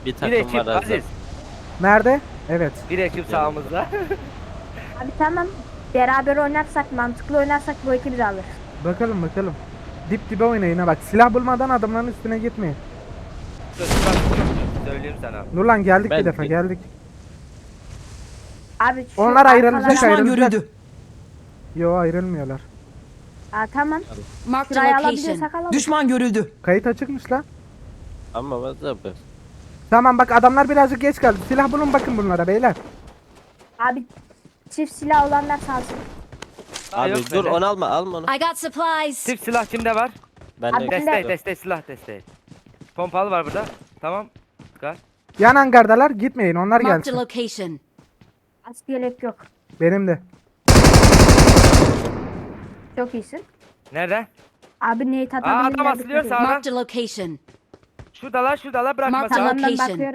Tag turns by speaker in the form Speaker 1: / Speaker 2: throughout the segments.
Speaker 1: Bir
Speaker 2: Bir
Speaker 1: takım
Speaker 2: ekip
Speaker 1: var Aziz.
Speaker 2: Aziz.
Speaker 3: Nerede? Evet.
Speaker 2: Bir ekip sağımızda.
Speaker 4: Abi tamam. Beraber oynarsak, mantıklı oynarsak bu ekibi de alır.
Speaker 3: Bakalım bakalım. Dip dibe oynayın ha bak. Silah bulmadan adamların üstüne gitmeyin.
Speaker 2: Söyleyeyim sana.
Speaker 3: Nurlan geldik
Speaker 1: Ben
Speaker 3: bir defa
Speaker 1: de-
Speaker 3: geldik.
Speaker 4: Abi şu
Speaker 3: Onlar ayrılacak,
Speaker 4: arkalara-
Speaker 5: Düşman
Speaker 3: ayrılacak.
Speaker 5: görüldü.
Speaker 3: Yo ayrılmıyorlar.
Speaker 4: Aa, tamam.
Speaker 5: Marked a
Speaker 4: Şurayı
Speaker 5: location.
Speaker 4: alabiliyorsak alalım.
Speaker 5: Düşman görüldü.
Speaker 3: Kayıt açıkmış lan.
Speaker 1: Ama Aziz abi.
Speaker 3: Tamam bak adamlar birazcık geç geldi. Silah bulun bakın bunlara beyler.
Speaker 4: Abi çift silah olanlar salsın.
Speaker 2: Aa,
Speaker 1: Abi
Speaker 2: yok
Speaker 1: dur
Speaker 2: bende.
Speaker 1: onu alma alma onu.
Speaker 6: I got supplies.
Speaker 2: Çift silah kimde var?
Speaker 1: Ben
Speaker 4: Abi,
Speaker 1: de
Speaker 2: Destek destek silah destek. Pompalı var burada. Tamam. Çıkar.
Speaker 3: Yan hangardalar gitmeyin onlar
Speaker 6: Marked a
Speaker 3: gelsin.
Speaker 6: location.
Speaker 4: Askı yelek yok.
Speaker 3: Benim de.
Speaker 4: Çok iyisin.
Speaker 2: Nerede?
Speaker 4: Abi neyi
Speaker 2: Aa,
Speaker 4: tatabilirler?
Speaker 2: adam asılıyor sağdan.
Speaker 6: Marked a location.
Speaker 2: Şuradalar bırakma
Speaker 6: Mark
Speaker 2: sağa.
Speaker 6: tamam.
Speaker 4: Tamam ben
Speaker 6: Location.
Speaker 4: bakıyorum.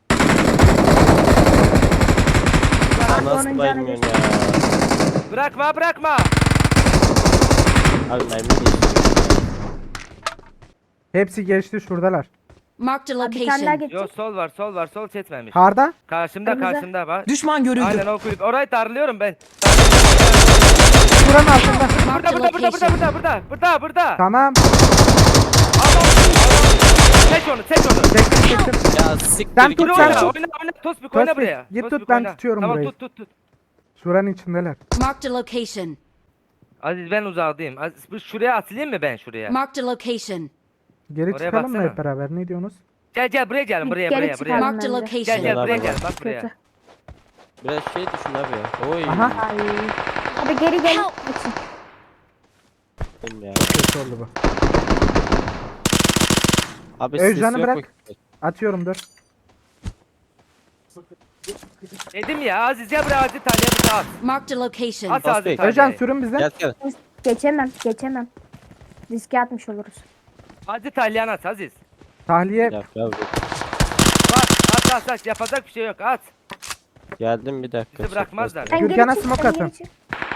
Speaker 1: nasıl
Speaker 4: Onun
Speaker 1: baymıyorsun
Speaker 4: canı
Speaker 1: ya.
Speaker 2: Bırakma.
Speaker 1: Abi mermi geçiyor.
Speaker 3: Hepsi geçti şuradalar.
Speaker 6: Marked a
Speaker 4: Abi bir tane daha
Speaker 6: location.
Speaker 4: geçecek.
Speaker 2: Sol var sol çetmemiş.
Speaker 3: Harda?
Speaker 2: Karşımda bak.
Speaker 5: Düşman görüldü.
Speaker 2: Aynen o kulüp. Orayı darlıyorum ben.
Speaker 3: Şuranın altında.
Speaker 6: Marked a location.
Speaker 2: Burada.
Speaker 3: Tamam.
Speaker 2: Adam. Çek onu.
Speaker 3: Çektim çektim.
Speaker 1: Ya siktir
Speaker 3: Sen
Speaker 1: git
Speaker 3: tut,
Speaker 2: Dur
Speaker 3: sen
Speaker 1: ya.
Speaker 3: tut.
Speaker 2: oyna. Tospik oyna
Speaker 3: Tospik,
Speaker 2: buraya.
Speaker 3: git
Speaker 2: Tospik
Speaker 3: tut, ben
Speaker 2: oyna.
Speaker 3: tutuyorum
Speaker 2: tamam,
Speaker 3: burayı.
Speaker 2: Tut.
Speaker 3: Şuranın içindeler.
Speaker 6: Marked a location.
Speaker 2: Aziz ben uzağdayım. Aziz şuraya atılayım mı ben şuraya?
Speaker 6: Marked a location.
Speaker 3: Geri
Speaker 2: Oraya
Speaker 3: çıkalım mı
Speaker 2: baksana.
Speaker 3: hep beraber? Ne diyorsunuz?
Speaker 2: Gel buraya gelin buraya.
Speaker 4: Geri çıkalım.
Speaker 6: Marked a
Speaker 4: bence.
Speaker 2: Gel
Speaker 6: location.
Speaker 2: buraya
Speaker 1: Beraber
Speaker 2: gel
Speaker 1: bak.
Speaker 2: bak buraya.
Speaker 4: Kötü.
Speaker 1: Biraz şey düşün abi. Oy.
Speaker 3: Aha.
Speaker 4: Ay. Abi geri gel.
Speaker 6: Help.
Speaker 4: Açın.
Speaker 1: Ya.
Speaker 3: Kötü oldu bu.
Speaker 1: Abi
Speaker 3: Özcan'ı
Speaker 1: ses yok
Speaker 3: bırak.
Speaker 1: mu?
Speaker 3: Atıyorum dur.
Speaker 2: Dedim ya Aziz ya buraya Aziz Talya bir at.
Speaker 6: Marked a location.
Speaker 2: At Aziz
Speaker 1: Tospik.
Speaker 2: Talya'yı.
Speaker 3: Özcan sürün bize.
Speaker 1: Gel.
Speaker 4: Geçemem. Riske atmış oluruz.
Speaker 2: Aziz Talyan at Aziz.
Speaker 3: Tahliye.
Speaker 1: Bir dakika abi.
Speaker 2: At yapacak bir şey yok at.
Speaker 1: Geldim bir dakika.
Speaker 2: Bizi bırakmazlar.
Speaker 4: Sen
Speaker 3: Gürkan'a
Speaker 4: geri çık,
Speaker 3: smoke
Speaker 4: sen
Speaker 3: atın.
Speaker 4: geri çık.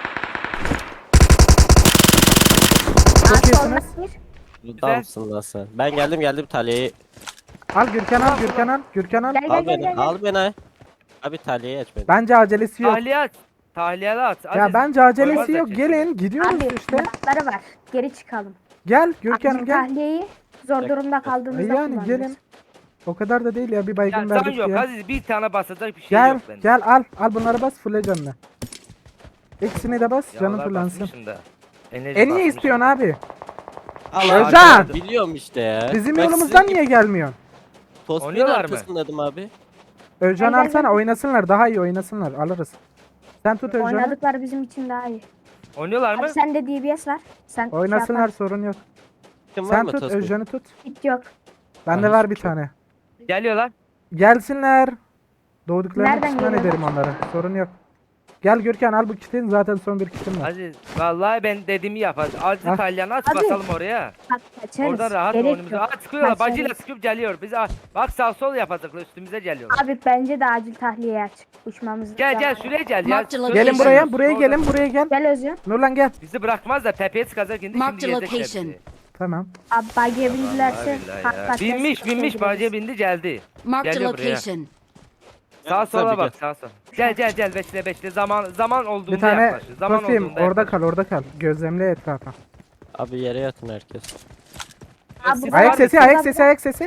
Speaker 3: Çok
Speaker 4: Abi,
Speaker 3: iyisiniz.
Speaker 4: soldan gir.
Speaker 1: Burada mısın lan sen? Ben geldim Talya'yı.
Speaker 3: Al Gürkan al Gürkan al. Gürkan al.
Speaker 4: Gel
Speaker 1: Al
Speaker 4: gel
Speaker 1: beni
Speaker 4: gel.
Speaker 1: al beni. Abi Talya'yı aç beni.
Speaker 3: Bence acelesi yok.
Speaker 2: Tahliye at. Tahliyeli at.
Speaker 3: Ya
Speaker 2: Aziz,
Speaker 3: bence acelesi
Speaker 2: koymazlar
Speaker 3: yok.
Speaker 2: çünkü.
Speaker 3: Gelin gidiyoruz
Speaker 4: Abi
Speaker 3: işte.
Speaker 4: bırakları var. Geri çıkalım.
Speaker 3: Gel Gürkan'ım
Speaker 4: Abi
Speaker 3: gel.
Speaker 4: tahliyeyi zor durumda kaldığımızda
Speaker 3: Yani
Speaker 4: kullanırız.
Speaker 3: gelin. O kadar da değil ya bir baygın
Speaker 2: Ya can
Speaker 3: verdik
Speaker 2: yok
Speaker 3: ya.
Speaker 2: Aziz bir tane basacak bir şey
Speaker 3: Gel
Speaker 2: yok bende.
Speaker 3: gel al bunları bas fulle canını. İkisini de bas
Speaker 2: Ya
Speaker 3: canın
Speaker 2: Allah
Speaker 3: fırlansın.
Speaker 2: basmışım da. Enerji
Speaker 3: E niye
Speaker 2: basmışım.
Speaker 3: istiyorsun abi?
Speaker 1: Allah
Speaker 3: Özcan!
Speaker 1: Biliyorum işte ya.
Speaker 3: Bizim
Speaker 1: Ben
Speaker 3: yolumuzdan
Speaker 1: sizin
Speaker 3: niye gelmiyorsun?
Speaker 1: Tospik'in
Speaker 2: Oynuyorlar mı?
Speaker 1: arkasındaydım abi.
Speaker 3: Özcan
Speaker 4: Gel, gel,
Speaker 3: alsana
Speaker 4: gel.
Speaker 3: oynasınlar daha iyi oynasınlar alırız. Sen tut Özcan'ı.
Speaker 4: Oynadıkları bizim için daha iyi.
Speaker 2: Oynuyorlar mı?
Speaker 4: Abi sende DBS var. Sen
Speaker 3: Oynasınlar sorun yok.
Speaker 1: Kim var
Speaker 3: Sen
Speaker 1: mı
Speaker 3: tut
Speaker 1: Tospik?
Speaker 3: Özcan'ı tut.
Speaker 4: Hiç yok.
Speaker 3: Bende
Speaker 1: Ay,
Speaker 3: var bir
Speaker 1: çok-
Speaker 3: tane.
Speaker 2: Geliyorlar.
Speaker 3: Gelsinler. Doğduklarını
Speaker 4: Nereden
Speaker 3: pişman
Speaker 4: geliyor?
Speaker 3: ederim onlara. Sorun yok. Gel Gürkan al bu kitin zaten son bir kitim var.
Speaker 2: Aziz vallahi ben dediğimi yap Aziz. Aziz
Speaker 3: Ha.
Speaker 2: Talyan at
Speaker 4: Abi.
Speaker 2: basalım oraya.
Speaker 4: Bak kaçarız.
Speaker 2: Orada rahat
Speaker 4: Gerek
Speaker 2: oyunumuzu.
Speaker 4: yok.
Speaker 2: Aa sıkıyorlar
Speaker 4: Kaçarız.
Speaker 2: bacıyla sıkıp geliyor. Biz bak sağ sol yapacaklar üstümüze geliyorlar.
Speaker 4: Abi bence de acil tahliye aç. Uçmamız
Speaker 2: Gel
Speaker 4: lazım.
Speaker 2: şuraya gel ya.
Speaker 6: Marked
Speaker 3: Gelin
Speaker 6: location.
Speaker 3: buraya gelin buraya gel.
Speaker 4: Gel Özcan.
Speaker 3: Nurlan gel.
Speaker 2: Bizi bırakmaz da tepeye çıkacak indi
Speaker 6: Marked
Speaker 2: şimdi
Speaker 6: a
Speaker 2: gezecekler
Speaker 6: location.
Speaker 2: bizi.
Speaker 3: Tamam.
Speaker 4: Abi bagiye bindilerse.
Speaker 2: Vallahi billahi ya. Binmiş bacıya bindi geldi.
Speaker 6: Marked a
Speaker 2: Geliyor buraya.
Speaker 6: location.
Speaker 2: Sağa sola
Speaker 1: tabii,
Speaker 2: bak sağa sola. Gel bekle zaman olduğunda
Speaker 3: Bir tane
Speaker 2: yaklaşır. Zaman
Speaker 3: Tosim
Speaker 2: olduğunda
Speaker 3: orada
Speaker 2: yaklaşır.
Speaker 3: kal orada kal. Gözlemle etrafa.
Speaker 1: Abi yere yatın herkes.
Speaker 4: Abi,
Speaker 2: Siz
Speaker 3: Ayak
Speaker 2: var
Speaker 3: sesi
Speaker 2: mısınız?
Speaker 3: ayak sesi.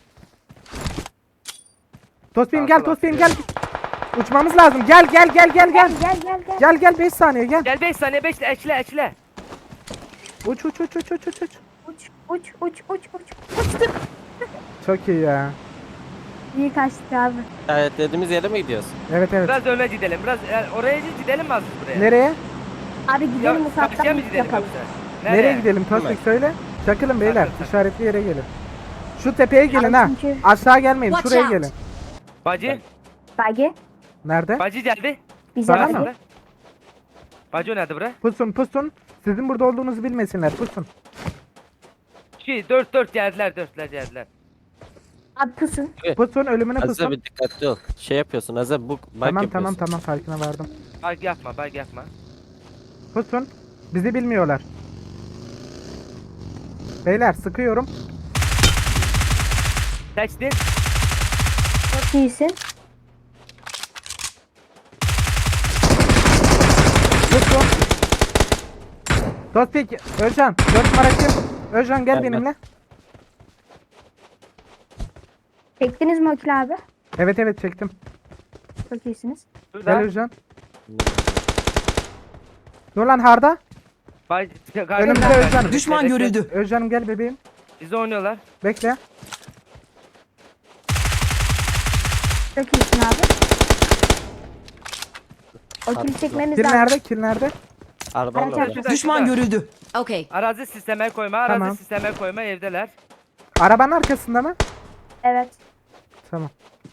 Speaker 3: Tospim gel
Speaker 2: Sağa
Speaker 3: Tospim
Speaker 2: sola
Speaker 3: gel. Uçmamız lazım. Gel.
Speaker 4: Gel.
Speaker 3: Gel 5 saniye gel.
Speaker 2: Gel 5 saniye 5 ekle.
Speaker 3: Uç.
Speaker 4: Uçtuk.
Speaker 3: Çok iyi ya.
Speaker 4: İyi kaçtık abi.
Speaker 1: Evet dediğimiz yere mi gidiyoruz?
Speaker 3: Evet.
Speaker 2: Biraz öne gidelim. Biraz oraya gidelim mi az buraya?
Speaker 3: Nereye?
Speaker 4: Abi
Speaker 2: Ya,
Speaker 4: gidelim
Speaker 2: karşıya
Speaker 4: ufaktan
Speaker 2: mı
Speaker 4: bir
Speaker 2: gidelim
Speaker 4: yapalım.
Speaker 2: yoksa?
Speaker 3: Nereye gidelim
Speaker 1: Değil
Speaker 3: Tospik
Speaker 1: mi?
Speaker 3: söyle. Çakılın beyler.
Speaker 2: Takıl.
Speaker 3: İşaretli yere gelin. Şu tepeye gelin ha.
Speaker 4: çünkü-
Speaker 3: Aşağı gelmeyin.
Speaker 6: Watch
Speaker 3: Şuraya
Speaker 6: out.
Speaker 3: gelin.
Speaker 2: Bacı
Speaker 4: Bagi.
Speaker 3: Nerede?
Speaker 2: Bacı geldi.
Speaker 4: Bize
Speaker 3: Bana
Speaker 4: bagi.
Speaker 3: mı?
Speaker 2: Bacı nerede bura?
Speaker 3: Pusun. Sizin burada olduğunuzu bilmesinler. Pusun.
Speaker 2: 4 geldiler.
Speaker 4: Abi pusun.
Speaker 3: Pusun ölümüne
Speaker 1: Aziz
Speaker 3: pusun.
Speaker 1: abi dikkatli ol. Şey yapıyorsun Aziz abi, bu bak
Speaker 3: Tamam
Speaker 1: yapıyorsun.
Speaker 3: farkına vardım.
Speaker 2: Bak yapma.
Speaker 3: Pusun. Bizi bilmiyorlar. Beyler sıkıyorum.
Speaker 2: Seçtin.
Speaker 4: Çok iyisin.
Speaker 3: Tuttum. Tospik, Özcan. 4 numara kim? Özcan gel
Speaker 1: Ben.
Speaker 3: benimle.
Speaker 4: Çektiniz mi Okil abi?
Speaker 3: Evet evet çektim.
Speaker 4: Çok iyisiniz.
Speaker 3: Gel
Speaker 2: Şurada.
Speaker 3: Özcan. Dur lan harda.
Speaker 2: Bay,
Speaker 3: Önümüzde Özcan.
Speaker 5: Düşman görüldü.
Speaker 3: Özcan'ım gel bebeğim.
Speaker 2: Bizi oynuyorlar.
Speaker 3: Bekle.
Speaker 4: Çok iyisin abi. Okil çekmemiz
Speaker 3: Kill
Speaker 4: lazım.
Speaker 3: nerede? Kill nerede?
Speaker 1: Arabanın
Speaker 4: Araç
Speaker 1: orada.
Speaker 2: Şurada,
Speaker 5: Düşman
Speaker 2: şurada.
Speaker 5: görüldü.
Speaker 6: Okay.
Speaker 2: Arazi sisteme koyma, arazi
Speaker 3: Tamam.
Speaker 2: sisteme koyma, evdeler.
Speaker 3: Arabanın arkasında mı?
Speaker 4: Evet.
Speaker 3: Tamam.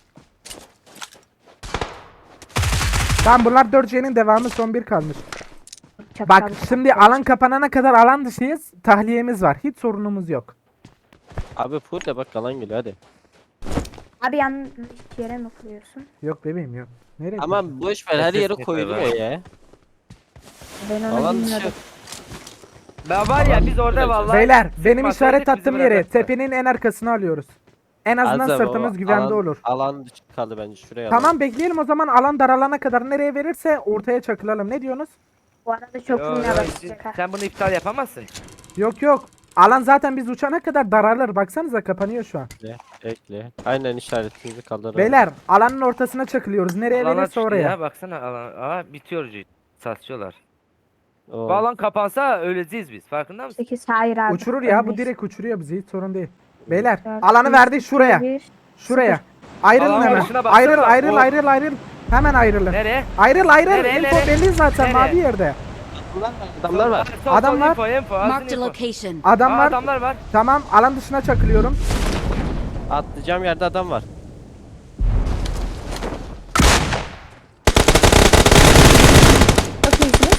Speaker 3: Tamam bunlar 4C'nin devamı, son bir kalmış.
Speaker 4: Çok
Speaker 3: Bak
Speaker 4: çabuk.
Speaker 3: şimdi alan kapanana kadar alan dışıyız. Tahliyemiz var. Hiç sorunumuz yok.
Speaker 1: Abi full de bak kalan geliyor hadi.
Speaker 4: Abi yanlış yere mi koyuyorsun?
Speaker 3: Yok bebeğim yok. Nereye?
Speaker 1: Ama boş ver her
Speaker 2: Ses
Speaker 1: yere
Speaker 2: yeter
Speaker 1: koyuluyor
Speaker 2: abi.
Speaker 1: ya.
Speaker 4: Ben onu
Speaker 1: Alan dışı.
Speaker 4: bilmiyordum.
Speaker 2: Ben var ya biz orada vallahi.
Speaker 3: Beyler benim
Speaker 2: sıkmasaydık
Speaker 3: işaret
Speaker 2: bizi
Speaker 3: attığım yere
Speaker 2: bırakırdı.
Speaker 3: tepenin en arkasına alıyoruz. En azından
Speaker 1: Azam,
Speaker 3: sırtımız
Speaker 1: o
Speaker 3: güvende
Speaker 1: alan-
Speaker 3: olur.
Speaker 1: Alan dışı kaldı bence şuraya.
Speaker 3: Tamam bekleyelim o zaman, alan daralana kadar nereye verirse ortaya çakılalım. Ne diyorsunuz?
Speaker 4: Bu arada çok
Speaker 2: Yo,
Speaker 4: vurmaya
Speaker 2: yo,
Speaker 4: başlayacak ha.
Speaker 2: sen bunu iptal yapamazsın.
Speaker 3: Yok yok. Alan zaten biz uçana kadar daralır. Baksanıza kapanıyor şu an.
Speaker 1: Bekle, bekle. Aynen işaretimizi kaldıralım.
Speaker 3: Beyler alanın ortasına çakılıyoruz. Nereye
Speaker 2: Alana
Speaker 3: verirse
Speaker 2: düştü
Speaker 3: oraya.
Speaker 2: ya baksana alan. Aa bitiyor satıyorlar.
Speaker 1: Oo.
Speaker 2: Bu alan kapansa öleceğiz biz farkında mısın?
Speaker 4: 8 hayır abi.
Speaker 3: Uçurur ya, bu
Speaker 4: Ölmeyiz.
Speaker 3: direkt uçuruyor bizi, hiç sorun değil. Beyler
Speaker 4: Dört,
Speaker 3: alanı
Speaker 4: üç,
Speaker 3: verdi şuraya.
Speaker 4: bir.
Speaker 3: Şuraya. Ayrılın
Speaker 2: Alan
Speaker 3: hemen.
Speaker 2: başına baksana.
Speaker 3: Ayrıl ayrıl
Speaker 2: O-
Speaker 3: ayrıl ayrıl. Hemen ayrılın.
Speaker 2: Nereye?
Speaker 3: Ayrıl ayrıl.
Speaker 2: Nereye,
Speaker 3: Info
Speaker 2: nereye?
Speaker 3: belli zaten
Speaker 2: Nereye?
Speaker 3: mavi yerde.
Speaker 1: Adamlar var.
Speaker 2: Sol,
Speaker 3: Adam var.
Speaker 2: Info, azın
Speaker 6: Marked a
Speaker 2: info.
Speaker 6: location.
Speaker 3: Adam
Speaker 2: Aa,
Speaker 3: var.
Speaker 2: adamlar var.
Speaker 3: Tamam alan dışına çakılıyorum.
Speaker 1: Atlayacağım yerde adam var.
Speaker 4: Çok iyisiniz.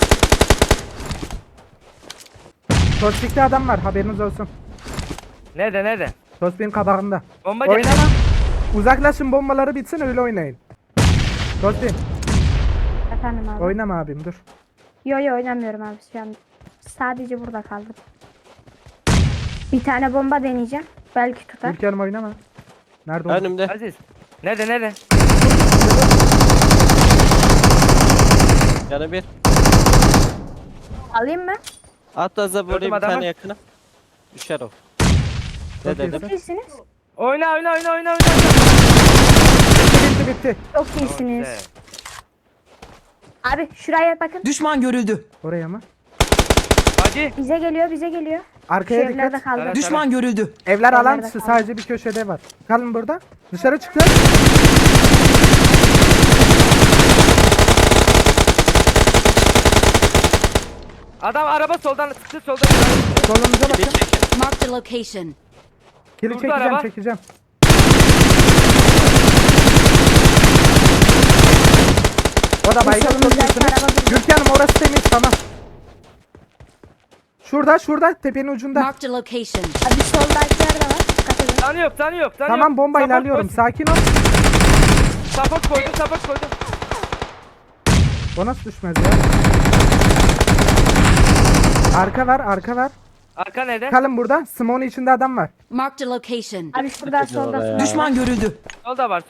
Speaker 3: Tospik'te adam var, haberiniz olsun.
Speaker 2: Nerede?
Speaker 3: Tospik'in kabağında.
Speaker 2: Bomba
Speaker 3: Oynama.
Speaker 2: geldi.
Speaker 3: Uzaklaşın, bombaları bitsin öyle oynayın. Tospik
Speaker 4: Efendim abi.
Speaker 3: oynama abim dur.
Speaker 4: Yo oynamıyorum abi şu an. Sadece burada kaldım. Bir tane bomba deneyeceğim. Belki tutar.
Speaker 3: Ülkenim oynama. Nerede o?
Speaker 1: Önümde.
Speaker 2: Aziz. Nerede?
Speaker 1: Yanı bir.
Speaker 4: Alayım mı?
Speaker 1: At da buraya bir
Speaker 2: adamı.
Speaker 1: tane yakına. Düşer o. Ne
Speaker 3: Çok
Speaker 1: dedim?
Speaker 4: Çok iyisiniz.
Speaker 2: Oyna.
Speaker 3: Bitti.
Speaker 4: Çok iyisiniz.
Speaker 2: Evet.
Speaker 4: Abi şuraya bakın.
Speaker 5: Düşman görüldü.
Speaker 3: Oraya mı?
Speaker 2: Hadi.
Speaker 4: Bize geliyor. Şu
Speaker 3: Arkaya
Speaker 4: evlerde
Speaker 3: dikkat.
Speaker 4: kaldım.
Speaker 2: Evet.
Speaker 5: Düşman görüldü.
Speaker 3: Evler alan
Speaker 4: Evlerde
Speaker 3: dışı,
Speaker 4: kaldı.
Speaker 3: sadece bir köşede var. Kalın burada. Dışarı çıktı.
Speaker 2: Adam araba soldan çıktı soldan.
Speaker 3: Solunuza
Speaker 1: Bir
Speaker 3: bakın.
Speaker 1: çekin.
Speaker 6: Marked a location.
Speaker 3: Kili
Speaker 2: Durdu
Speaker 3: çekeceğim
Speaker 2: araba.
Speaker 3: çekeceğim. O da baygın, çok
Speaker 4: solumuzdaki
Speaker 3: iyisiniz.
Speaker 4: araba durdu.
Speaker 3: Gürkan'ım orası temiz, tamam. Şurada tepenin ucunda.
Speaker 6: Marked a location.
Speaker 4: Abi soldakiler de var. Dikkat edin.
Speaker 2: Tanı yok.
Speaker 3: Tamam bomba
Speaker 2: Support
Speaker 3: ilerliyorum,
Speaker 2: koy.
Speaker 3: sakin ol.
Speaker 2: Support koydum.
Speaker 3: O nasıl düşmez ya? Arka var.
Speaker 2: Arka nerede?
Speaker 3: Kalın burada. Smoke'un içinde adam var.
Speaker 6: Marked a location.
Speaker 4: Abi şurada
Speaker 1: Çekeceğim
Speaker 4: solda.
Speaker 1: oraya.
Speaker 5: Düşman görüldü.
Speaker 2: Solda var.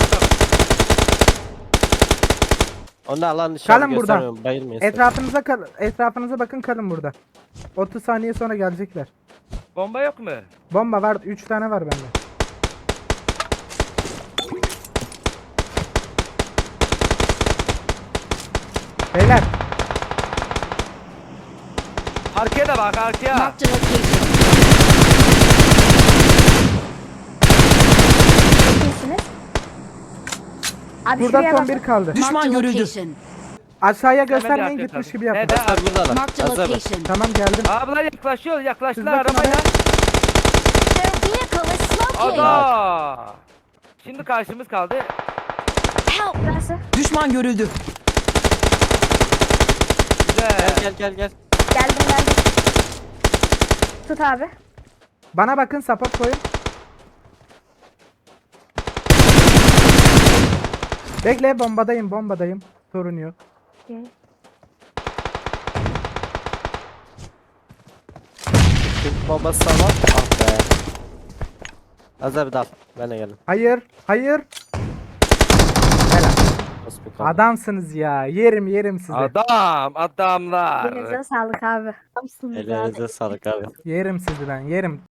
Speaker 1: Onu alan dışı
Speaker 3: Kalın
Speaker 1: abi
Speaker 3: burada.
Speaker 1: göstermiyorum, bayılmayın. sakın.
Speaker 3: Etrafınıza bakın, kalın burada. 30 saniye sonra gelecekler.
Speaker 2: Bomba yok mu?
Speaker 3: Bomba var, 3 tane var bende. Beyler
Speaker 2: Arkaya da bak arkaya.
Speaker 6: Marked a location.
Speaker 4: Çok iyisiniz. Abi
Speaker 3: burada
Speaker 4: şuraya
Speaker 3: son
Speaker 4: bakın.
Speaker 3: bir kaldı.
Speaker 5: Düşman
Speaker 6: Marked a
Speaker 5: görüldü.
Speaker 6: location.
Speaker 3: Aşağıya
Speaker 2: Hemen bir
Speaker 3: göstermeyin,
Speaker 2: arkaya
Speaker 3: gitmiş
Speaker 2: tabii.
Speaker 3: gibi yapın.
Speaker 2: Nerede?
Speaker 1: Hazır buradalar.
Speaker 6: Marked a
Speaker 1: Hazır.
Speaker 6: location.
Speaker 3: Tamam geldim.
Speaker 2: Ablalar yaklaştılar
Speaker 3: Siz bakın
Speaker 2: arabayla.
Speaker 6: Their vehicle is smoking.
Speaker 2: Aga. Şimdi karşımız kaldı.
Speaker 6: Help.
Speaker 4: Burası.
Speaker 5: Düşman görüldü.
Speaker 2: Güzel.
Speaker 1: Gel.
Speaker 4: Geldim. Tut abi.
Speaker 3: Bana bakın, support koyun. Bekle, bombadayım. Sorun yok.
Speaker 4: Okey.
Speaker 1: Çünkü bombası sağlam. Ah be. Hazır bir dal. Ben de geldim.
Speaker 3: Hayır.
Speaker 1: Yukarıda.
Speaker 3: Adamsınız ya. Yerim sizi.
Speaker 2: Adamlar.
Speaker 4: Elinize sağlık abi.
Speaker 1: Ellerinize sağlık abi.
Speaker 3: Yerim sizi ben yerim.